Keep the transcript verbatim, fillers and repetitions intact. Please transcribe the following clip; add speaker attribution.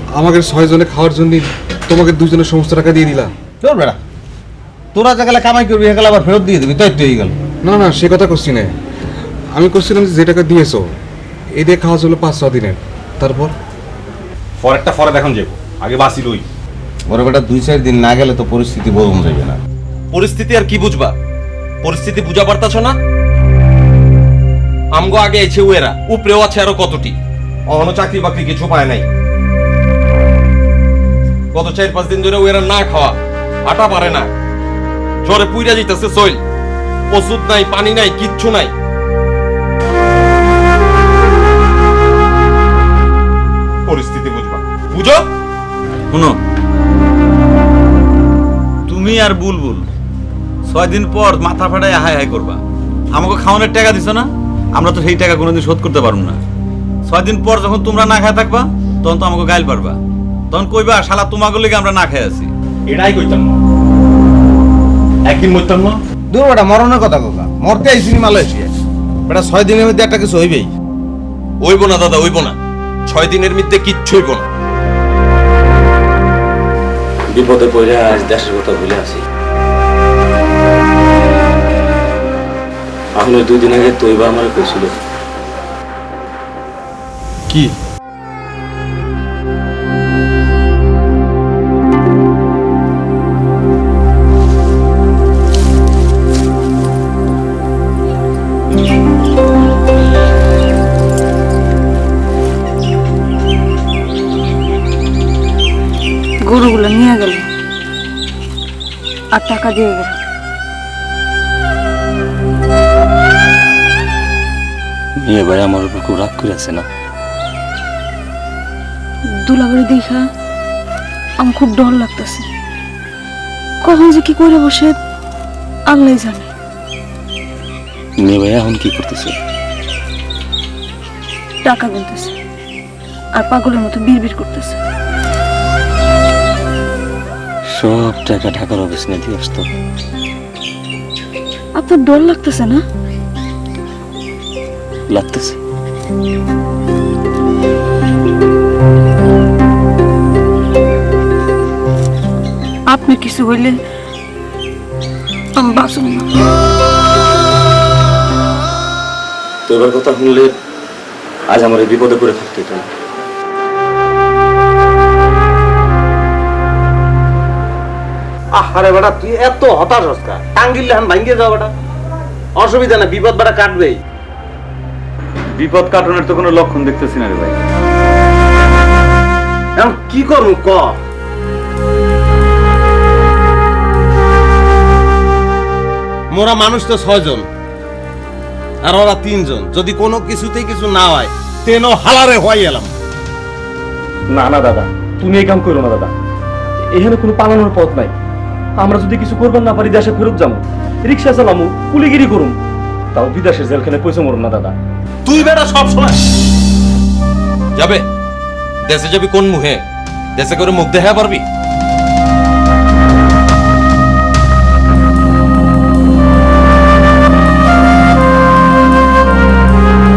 Speaker 1: আমাকে ছয় জনে খাওয়ার জন্য তোমাকে দুজনের সমস্ত টাকা দিয়ে দিলা।
Speaker 2: তোর বেড়া তোরা যে গেলে কামাই করবি গেলে আবার ফেরত দিয়ে দিবি, তাই তো হয়ে গেল।
Speaker 1: না না সে কথা করছি না, আমি করছিলাম যে টাকা দিয়েছো এই দিয়ে খাওয়া চলো পাঁচ ছ দিনের, তারপর
Speaker 3: পরেরটা পরে দেখুন যাবো, আগে বাসি লই।
Speaker 2: বড় বেটা দুই চার দিন না গেলে তো পরিস্থিতি বোঝানো যাবে না।
Speaker 4: পরিস্থিতি আর কি বুঝবা? পরিস্থিতি বুঝা পারতাছ না? আমগো আগে এসে ওয়েরা উপরেও আছে আরো কতটি, অহনো চাকরি বাকরি কিছু পায় নাই। গত চার পাঁচ দিন ধরে ওয়েরা না খাওয়া, আটা পারে না, জ্বরে পুইরা যাইতেছে সইল, ওষুধ নাই, পানি নাই, কিচ্ছু নাই। পরিস্থিতি বুঝবা, বুঝো?
Speaker 5: শুনো, তুমি আর বুলবুল ছয় দিন পর মাথা ফাটায় হাই হাই করবা। আমাকে খাওয়ানোর টাকা দিছো না, আমরা তো সেই টাকা কোনোদিন শোধ করতে পারবো না। ছয় দিন পর যখন তোমরা না খায় থাকবা তখন তো আমাকে গাইল পারবা, তখন কইবা শালা তোমাকে লেগে আমরা না খাই আছি।
Speaker 3: এটাই কইতাম না, একদিন মরতাম না।
Speaker 2: দূর বেটা মরণের কথা কোকা, মরতে আইসি মালয়েশিয়া বেটা, ছয় দিনের মধ্যে একটা কিছু হইবেই।
Speaker 4: ওইব না দাদা, ওইব না, ছয় দিনের মধ্যে কিচ্ছু হইব না।
Speaker 6: বিপদে পড়ে আজ দেশের কথা ভুলে আছি। এখন দুই দিন আগে তৈবা আমার কইছিল
Speaker 1: কি
Speaker 7: গরুগুলো নিয়ে গেল আর টাকা দিয়ে গেল।
Speaker 6: মেয়ে ভাই আমার উপর খুব রাগ করে আছে না?
Speaker 7: দুলাবাড়ি দেখা আমার খুব ডর লাগতেছে, কখন যে কি করে বসে আল্লাহ জানে।
Speaker 6: মেয়ে ভাই এখন কি করতেছে?
Speaker 7: টাকা গুনতেছে আর পাগলের মতো বিড়বিড় করতেছে।
Speaker 6: সব টাকা ঢাকার অফিস নিয়ে দিয়ে আসতো।
Speaker 7: আপনার ডর লাগতেছে না?
Speaker 6: লাগতেছে।
Speaker 7: আপনি কিছু হইলে আমি বাঁচব না।
Speaker 6: তো এবার কথা শুনলে আজ আমার এই বিপদে পড়ে থাকতে হতো না।
Speaker 2: আরে বেটা তুই এত হতাশ হস্কা, টাঙ্গিলে এখন ভাঙ্গিয়ে যাও বেটা, অসুবিধা না, বিপদ বেটা কাটবেই।
Speaker 5: বিপদ কাটানোর তো কোনো লক্ষণ দেখতেছি না রে ভাই।
Speaker 2: এখন কি করবো ক? মোরা মানুষ তো ছয়জন আর ওরা তিনজন, যদি কোনো কিছুতেই কিছু না হয় তেন হালারে হয়ে এলাম।
Speaker 8: না না দাদা, তুমি এই কাম করো না দাদা, এখানে কোনো পালানোর পথ নাই। আমরা যদি কিছু করবেন না পারি দেশে ফেরত যাবো, রিক্সা চালামু, কুলিগিরি করুম, তাও বিদেশের জেলখানে পয়সা মরুম না দাদা।
Speaker 2: তুই বেটা সব সময়
Speaker 4: যাবে দেশে যাবি কোন মুহে? দেশে করে মুখ দেখা পারবি?